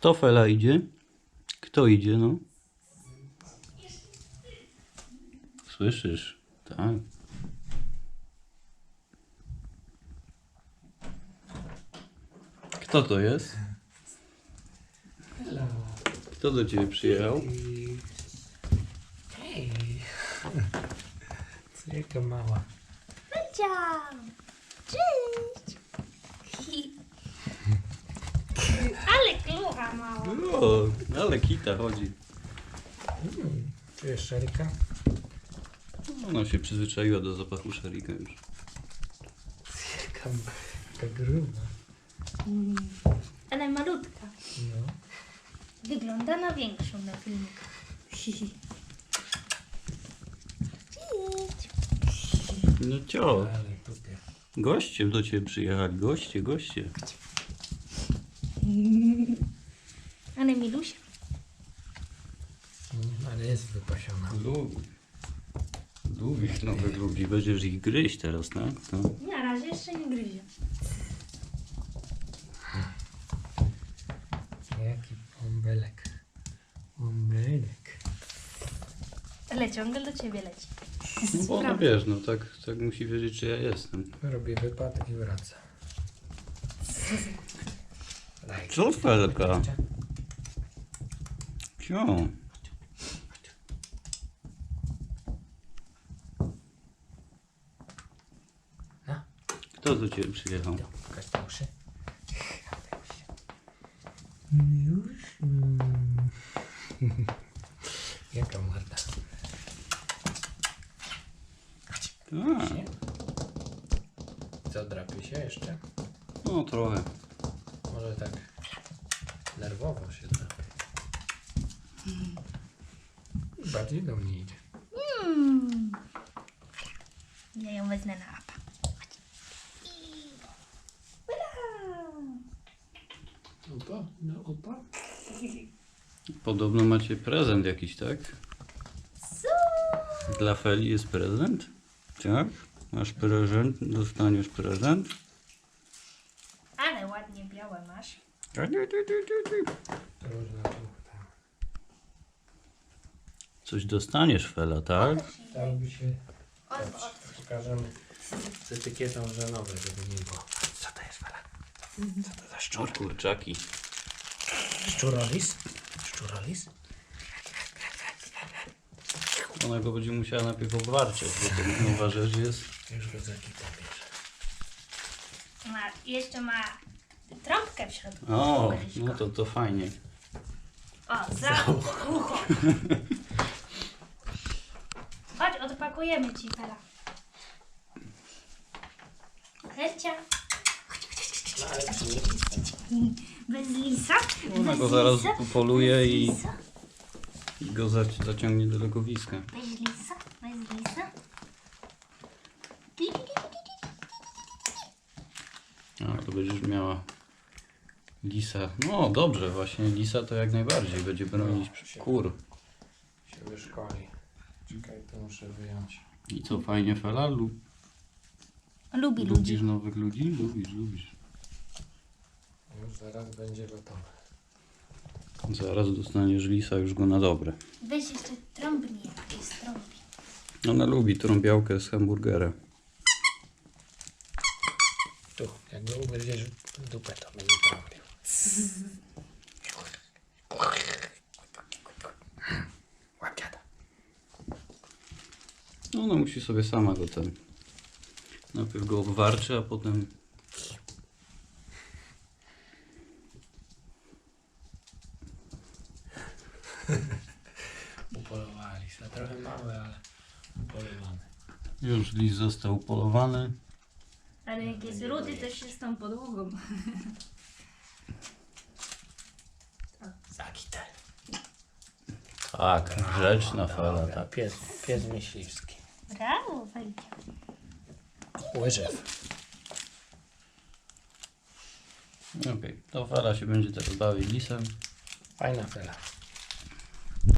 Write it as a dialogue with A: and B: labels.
A: Kto Fela idzie? Kto idzie, no? Słyszysz? Tak. Kto to jest?
B: Hello.
A: Kto do ciebie przyjechał?
B: Hej. Co jaka mała.
C: Ciao! Cześć! Ale klucha mała.
A: O, ale kita chodzi.
B: Czujesz szarika?
A: Ona się przyzwyczaiła do zapachu szarika już.
B: Jaka gruba.
C: Ale malutka.
B: No.
C: Wygląda na większą na filmiku. Cześć!
A: No cio,
B: Ale tupie.
A: goście do ciebie przyjechali, goście.
C: Ale Milusia?
B: Ale jest wypasiona.
A: Lubi nowych ludzi, będziesz ich gryźć teraz, tak? To.
C: Na razie jeszcze nie gryzie.
B: Jaki bąbelek. Bąbelek.
C: Ale ciągle do ciebie leci.
A: No bo no wiesz, no tak musi wiedzieć, czy ja jestem.
B: Robię wypad i wraca.
A: Co Felka? Cio.
B: No.
A: Kto do ciebie przyjechał?
B: Kasteuszy. Już. Jaka morda.
A: Tak,
B: Co, drapie się jeszcze?
A: no trochę.
B: Może tak nerwowo się drapie. Bardziej do mnie idzie.
C: Ja ją wezmę na apa.
B: Upa? No upa?
A: Podobno macie prezent jakiś, tak?
C: Co?
A: Dla Feli jest prezent? Tak? Masz prezent, dostaniesz prezent.
C: Ale ładnie białe masz.
B: To można tu.
A: Coś dostaniesz, Fela, tak?
B: Dałoby się.
C: Od.
B: Pokażemy z etykietą, że nowe, żeby nie było. Co to jest, Fela? Co to za
A: O
B: szczur?
A: kurczaki.
B: Szczurolis? Szczurolis?
A: Ona go będzie musiała najpierw obwarczeć, bo to nowa rzecz jest.
B: Już go za kitę bierze.
C: Jeszcze ma trąbkę w środku.
A: O, no to fajnie.
C: O, za ucho. Chodź, odpakujemy ci Fela. Hercia. Bez lisa?
A: Ona
C: Bez
A: go zaraz
C: lisa?
A: upoluje
C: Bez
A: i
C: lisa?
A: go zaciągnie do legowiska.
C: Bez lisa? Bez lisa?
A: A, to będziesz miała lisa. No dobrze, właśnie lisa to jak najbardziej będzie bronić kur.
B: Się wyszkoli. Czekaj, to muszę wyjąć.
A: I co, fajnie Fela?
C: Lubi ludzi.
A: Lubisz nowych ludzi? Lubisz.
B: Już zaraz będzie gotowe.
A: Zaraz dostaniesz lisa już go na dobre.
C: Weź jeszcze trąbni, jak jest trąbi.
A: Ona lubi trąbiałkę z hamburgera.
B: Tu, jak go ugryziesz w dupę, to będzie trąbił. Łap dziada.
A: No ona musi sobie sama go ten. Najpierw go obwarczy, a potem.
B: Upolowali się. Trochę małe, ale upolowane.
A: Już lis został upolowany.
C: Ale jak jest rudy, to się z tą podłogą.
B: Za kitę.
A: Tak, grzeczna Fela, tak.
B: Pies myśliwski.
C: Brawo, Felcia.
B: Łyżew.
A: Okej, to Fela się będzie teraz bawić lisem.
B: Fajna fela.